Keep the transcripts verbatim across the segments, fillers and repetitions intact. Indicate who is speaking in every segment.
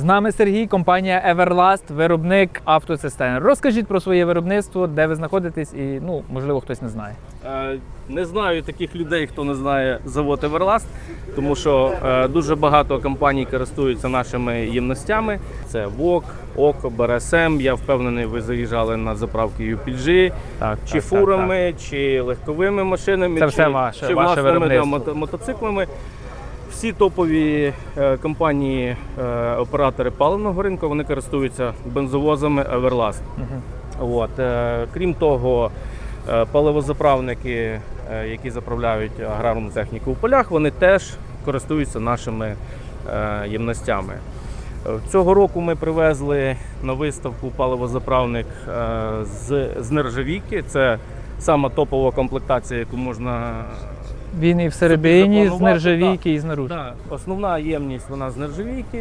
Speaker 1: З нами Сергій, компанія Everlast, виробник автоцистерн. Розкажіть про своє виробництво, де ви знаходитесь і, ну, можливо, хтось не знає.
Speaker 2: Не знаю таких людей, хто не знає завод Everlast, тому що е, дуже багато компаній користуються нашими ємностями. Це ВОК, ОКО, БРСМ. Я впевнений, ви заїжджали на заправки ю пі джі,
Speaker 1: Так,
Speaker 2: чи
Speaker 1: так,
Speaker 2: фурами,
Speaker 1: так, так.
Speaker 2: чи легковими машинами,
Speaker 1: Це
Speaker 2: чи,
Speaker 1: все ваше,
Speaker 2: чи
Speaker 1: ваше
Speaker 2: власними да,
Speaker 1: виробництво.
Speaker 2: мото- мотоциклами. Всі топові е, компанії, е, оператори паливного ринку, вони користуються бензовозами Everlast.
Speaker 1: Угу.
Speaker 2: От, е, крім того, е, паливозаправники, е, які заправляють аграрну техніку в полях, вони теж користуються нашими е, ємностями. Е, Цього року ми привезли на виставку паливозаправник е, з, з нержавійки. Це сама топова комплектація, яку можна.
Speaker 1: Він і всередині з
Speaker 2: запланувати,
Speaker 1: нержавійки, і знаружи.
Speaker 2: Да, основна ємність вона з нержавійки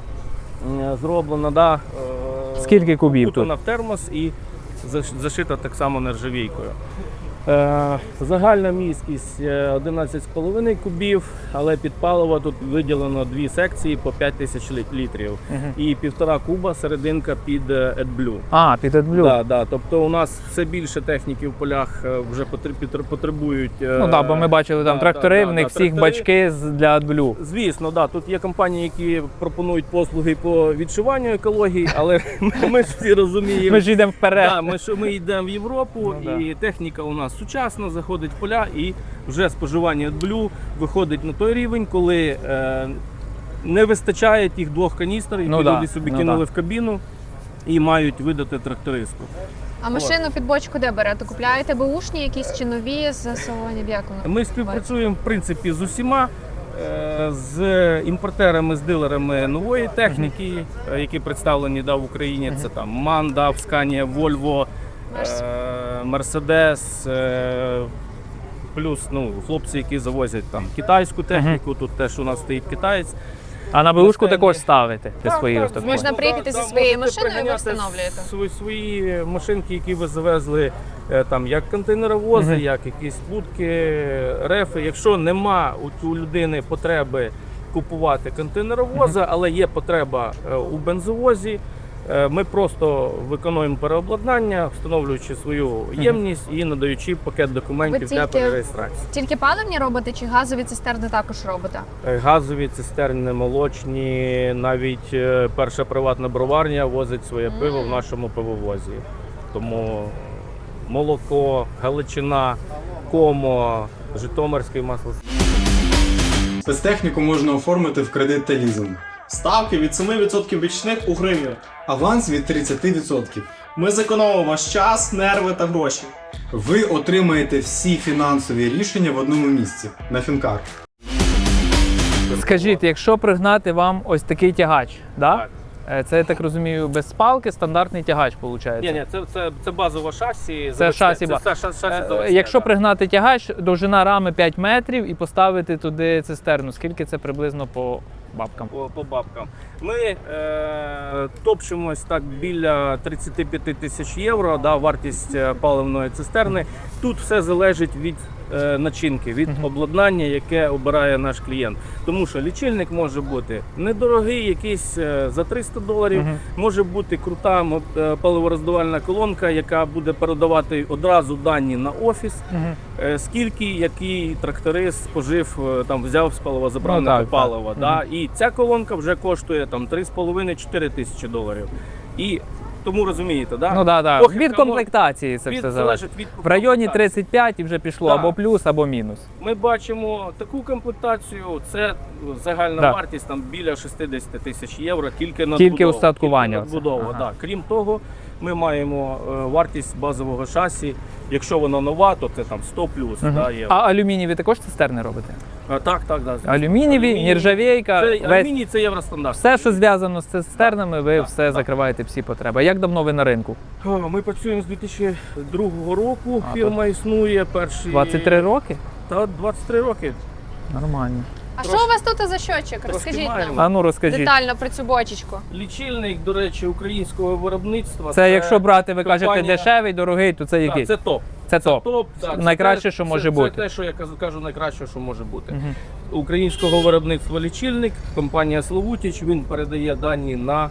Speaker 2: е, зроблена. Да, е,
Speaker 1: Скільки кубів
Speaker 2: укутана
Speaker 1: тут?
Speaker 2: в термос і заш- зашита так само нержавійкою. Е, загальна міськість е, одинадцять з половиною кубів, але під паливо тут виділено дві секції по п'ять тисяч літ- літрів.
Speaker 1: Угу.
Speaker 2: І півтора куба серединка під е, AdBlue.
Speaker 1: А, під AdBlue.
Speaker 2: Да, да, тобто у нас все більше техніки в полях е, вже потр- потр- потребують. е,
Speaker 1: Ну так, бо ми бачили там
Speaker 2: да,
Speaker 1: трактори,
Speaker 2: да,
Speaker 1: в них
Speaker 2: да,
Speaker 1: всіх
Speaker 2: трактори.
Speaker 1: бачки з- для AdBlue.
Speaker 2: Звісно, да. Тут є компанії, які пропонують послуги по відшиванню екології, але ми, ми ж всі розуміємо.
Speaker 1: Ми ж йдемо вперед.
Speaker 2: Да, ми, що ми йдемо в Європу,
Speaker 1: Ну,
Speaker 2: і техніка у нас сучасна, заходить в поля, і вже споживання AdBlue виходить на той рівень, коли е, не вистачає тих двох каністр, які
Speaker 1: Ну, да.
Speaker 2: люди собі
Speaker 1: Ну,
Speaker 2: кинули
Speaker 1: да.
Speaker 2: в кабіну і мають видати трактористу.
Speaker 3: А машину під бочку де берете? Купляєте беушні якісь чи нові з салонів? Як воно?
Speaker 2: Ми співпрацюємо в принципі з усіма. е, З імпортерами, з дилерами нової техніки, е, які представлені да, в Україні. Це там МАН, да, Scania, Volvo,
Speaker 3: Мерс.
Speaker 2: е, Mercedes, е, плюс ну, хлопці, які завозять там китайську техніку. Тут теж у нас стоїть китаєць.
Speaker 1: А на беушку
Speaker 2: Останні-
Speaker 1: також ставите ти
Speaker 2: Так,
Speaker 1: свої
Speaker 2: так,
Speaker 1: ось такі?
Speaker 3: Можна
Speaker 2: да,
Speaker 3: приїхати зі
Speaker 2: да,
Speaker 3: своєю
Speaker 2: можете
Speaker 3: машиною і ви
Speaker 2: приганяти
Speaker 3: встановлюєте?
Speaker 2: Свої, свої машинки, які ви завезли, е, там, як контейнеровози,
Speaker 1: Мгм.
Speaker 2: як якісь будки, рефи. Якщо нема у, у людини потреби купувати контейнеровоза, але є потреба е, у бензовозі, е, ми просто виконуємо переобладнання, встановлюючи свою ємність і надаючи пакет документів
Speaker 3: Ви
Speaker 2: для
Speaker 3: тільки-
Speaker 2: перереєстрації.
Speaker 3: Тільки паливні робите чи газові цистерни також робите?
Speaker 2: Е, Газові цистерни, молочні, навіть е, перша приватна броварня возить своє пиво в нашому пивовозі. Тому молоко, Галичина, Комо, Житомирське масло.
Speaker 4: Спецтехніку можна оформити в кредит та лізинг.
Speaker 5: Ставки від семи відсотків річних у гривні.
Speaker 4: Аванс від тридцять відсотків.
Speaker 5: Ми зекономимо ваш час, нерви та гроші.
Speaker 4: Ви отримаєте всі фінансові рішення в одному місці на Фінкар.
Speaker 1: Скажіть, якщо пригнати вам ось такий тягач, да?
Speaker 2: Так.
Speaker 1: Е, це, я так розумію, без спалки, стандартний тягач, виходить?
Speaker 2: Ні, ні, це, це, це базове шасі.
Speaker 1: Це шасі,
Speaker 2: Це,
Speaker 1: ба-
Speaker 2: це, шасі, шасі
Speaker 1: Е,
Speaker 2: заводське,
Speaker 1: Якщо
Speaker 2: да.
Speaker 1: пригнати тягач, довжина рами п'ять метрів і поставити туди цистерну, скільки це приблизно по бабкам?
Speaker 2: По, по бабкам. Ми е, топчемось так біля тридцять п'ять тисяч євро, да, вартість е, паливної цистерни. Тут все залежить від е, начинки, від обладнання, яке обирає наш клієнт. Тому що лічильник може бути недорогий, якийсь е, за триста доларів,
Speaker 1: Мгм.
Speaker 2: може бути крута мо- е, паливороздавальна колонка, яка буде передавати одразу дані на офіс.
Speaker 1: Мгм.
Speaker 2: Е, Скільки який тракторист спожив, е, там взяв з паливозаправника
Speaker 1: Ну, так,
Speaker 2: палива.
Speaker 1: так.
Speaker 2: Да? І ця колонка вже коштує там три з половиною - чотири тисячі доларів. І тому розумієте, да?
Speaker 1: Ну так, да,
Speaker 2: Похибка
Speaker 1: від комплектації це
Speaker 2: від-
Speaker 1: все
Speaker 2: залежить
Speaker 1: залежить.
Speaker 2: від
Speaker 1: В районі
Speaker 2: комплектації.
Speaker 1: тридцять п'ять і вже пішло
Speaker 2: Так.
Speaker 1: або плюс, або мінус.
Speaker 2: Ми бачимо таку комплектацію, це загальна
Speaker 1: Да.
Speaker 2: вартість там біля шістдесят тисяч євро тільки на
Speaker 1: Тільки устаткування оце.
Speaker 2: Надбудова,
Speaker 1: Ага.
Speaker 2: да. Крім того, ми маємо е, вартість базового шасі. Якщо воно нова, то це там сто плюс.
Speaker 1: Мгм.
Speaker 2: Да, є.
Speaker 1: А алюмінієві також цистерни робите?
Speaker 2: А, так, так, да.
Speaker 1: Алюмінієві,
Speaker 2: Алюміній.
Speaker 1: нержавійка,
Speaker 2: Це,
Speaker 1: весь,
Speaker 2: алюміній це євростандарт.
Speaker 1: все, що зв'язано з цистернами, ви
Speaker 2: Так,
Speaker 1: все
Speaker 2: так.
Speaker 1: закриваєте, всі потреби. А як давно ви на ринку?
Speaker 2: О, Ми працюємо з дві тисячі другого року.
Speaker 1: А,
Speaker 2: Фірма існує перші
Speaker 1: двадцять три роки?
Speaker 2: Та двадцять три роки.
Speaker 1: Нормально.
Speaker 3: А
Speaker 2: Трошки-
Speaker 3: що у вас тут за щочик? Розкажіть
Speaker 2: маємо.
Speaker 3: нам
Speaker 1: А ну розкажіть.
Speaker 3: детально про цю бочечку.
Speaker 2: Лічильник, до речі, українського виробництва.
Speaker 1: Це якщо брати, ви кажете,
Speaker 2: компанія-
Speaker 1: дешевий, дорогий, то це
Speaker 2: Так,
Speaker 1: який?
Speaker 2: це топ.
Speaker 1: Це топ.
Speaker 2: Топ, так,
Speaker 1: Найкраще,
Speaker 2: це,
Speaker 1: що
Speaker 2: це-
Speaker 1: може
Speaker 2: це,
Speaker 1: бути.
Speaker 2: Це те, що я кажу, кажу, найкраще, що може бути.
Speaker 1: Мгм.
Speaker 2: Українського виробництва лічильник, компанія Славутіч, він передає дані на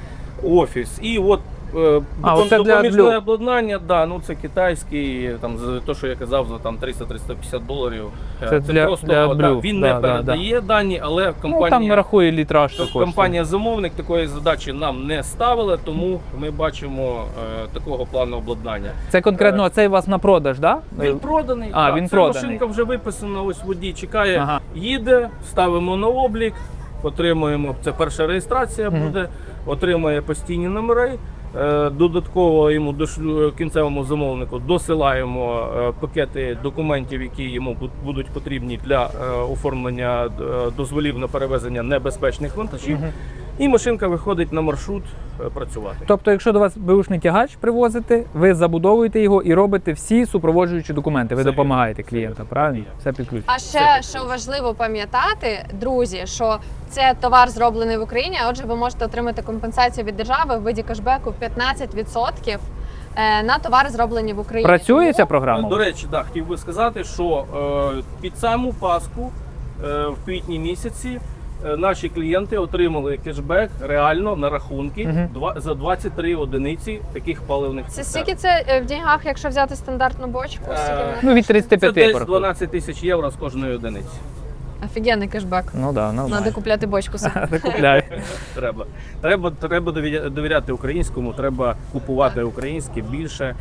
Speaker 2: офіс. І от е,
Speaker 1: А,
Speaker 2: допом-
Speaker 1: оце для
Speaker 2: допоміжне
Speaker 1: блю-
Speaker 2: обладнання, да, ну це китайський, там за те, що я казав, за там триста - триста п'ятдесят доларів. Е,
Speaker 1: Це для-
Speaker 2: просто
Speaker 1: для
Speaker 2: да,
Speaker 1: блю.
Speaker 2: він
Speaker 1: Да,
Speaker 2: не
Speaker 1: да,
Speaker 2: передає дані, але
Speaker 1: Ну, там
Speaker 2: компанія.
Speaker 1: рахує літраж. що коштує.
Speaker 2: Компанія замовник такої задачі нам не ставила, тому ми бачимо е, такого плану обладнання.
Speaker 1: Це конкретно цей у вас на продаж, так? Да?
Speaker 2: Він проданий.
Speaker 1: А,
Speaker 2: так,
Speaker 1: він
Speaker 2: ця
Speaker 1: проданий.
Speaker 2: машинка вже виписана, ось водій чекає,
Speaker 1: Ага.
Speaker 2: їде, ставимо на облік, отримуємо, це перша реєстрація
Speaker 1: Мгм.
Speaker 2: буде, отримує постійні номери. Е, Додатково йому дошлю- кінцевому замовнику досилаємо е, пакети документів, які йому бу- будуть потрібні для е, оформлення е, дозволів на перевезення небезпечних вантажів.
Speaker 1: Мгм.
Speaker 2: І машинка виходить на маршрут е, працювати.
Speaker 1: Тобто, якщо до вас беушний тягач привозите, ви забудовуєте його і робите всі супроводжуючі документи. Ви
Speaker 2: Все
Speaker 1: допомагаєте клієнтам, правильно? Все під ключ.
Speaker 3: А ще що важливо пам'ятати, друзі, що це товар зроблений в Україні, а отже, ви можете отримати компенсацію від держави в виді кешбеку п'ятнадцять відсотків е, на товари, зроблені в Україні.
Speaker 1: Працює ця
Speaker 3: Тому-
Speaker 1: програма?
Speaker 2: До речі, да, хотів би сказати, що е, під саму Пасху е, в квітні місяці е, наші клієнти отримали кешбек реально на рахунки
Speaker 1: Мгм.
Speaker 2: два, за двадцять три одиниці таких паливних
Speaker 3: Це
Speaker 2: цистерн.
Speaker 3: скільки це е, в деньгах, якщо взяти стандартну бочку? Скільки
Speaker 2: Е,
Speaker 3: вона?
Speaker 1: Ну, від тридцять
Speaker 2: Це
Speaker 1: п'ять
Speaker 2: десь
Speaker 1: порахуй.
Speaker 2: дванадцять тисяч євро з кожної одиниці.
Speaker 3: Офігенний кешбек.
Speaker 1: Ну да,
Speaker 3: Треба
Speaker 1: нормально.
Speaker 3: купляти бочку собі.
Speaker 1: Купляй.
Speaker 2: Треба. Треба, треба довіря- довіряти українському, треба купувати українське більше.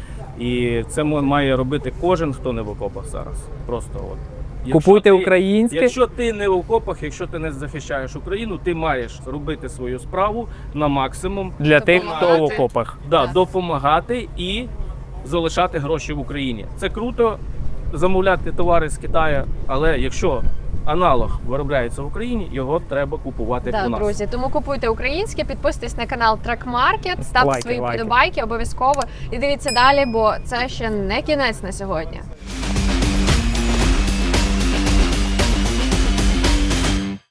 Speaker 2: І це м- має робити кожен, хто не в окопах зараз. Просто от. Якщо
Speaker 1: Купуйте
Speaker 2: ти-
Speaker 1: українське.
Speaker 2: Якщо ти не в окопах, якщо ти не захищаєш Україну, ти маєш робити свою справу на максимум,
Speaker 1: Для тих, хто в
Speaker 3: Допомагати.
Speaker 1: окопах.
Speaker 2: да,
Speaker 3: Так.
Speaker 2: допомагати і залишати гроші в Україні. Це круто замовляти товари з Китаю, але якщо аналог виробляється в Україні, його треба купувати
Speaker 3: Да,
Speaker 2: у нас.
Speaker 3: друзі, тому купуйте українське, підписуйтесь на канал Track Market, ставте
Speaker 1: Лайки,
Speaker 3: свої
Speaker 1: лайки.
Speaker 3: подобайки обов'язково і дивіться далі, бо це ще не кінець на сьогодні.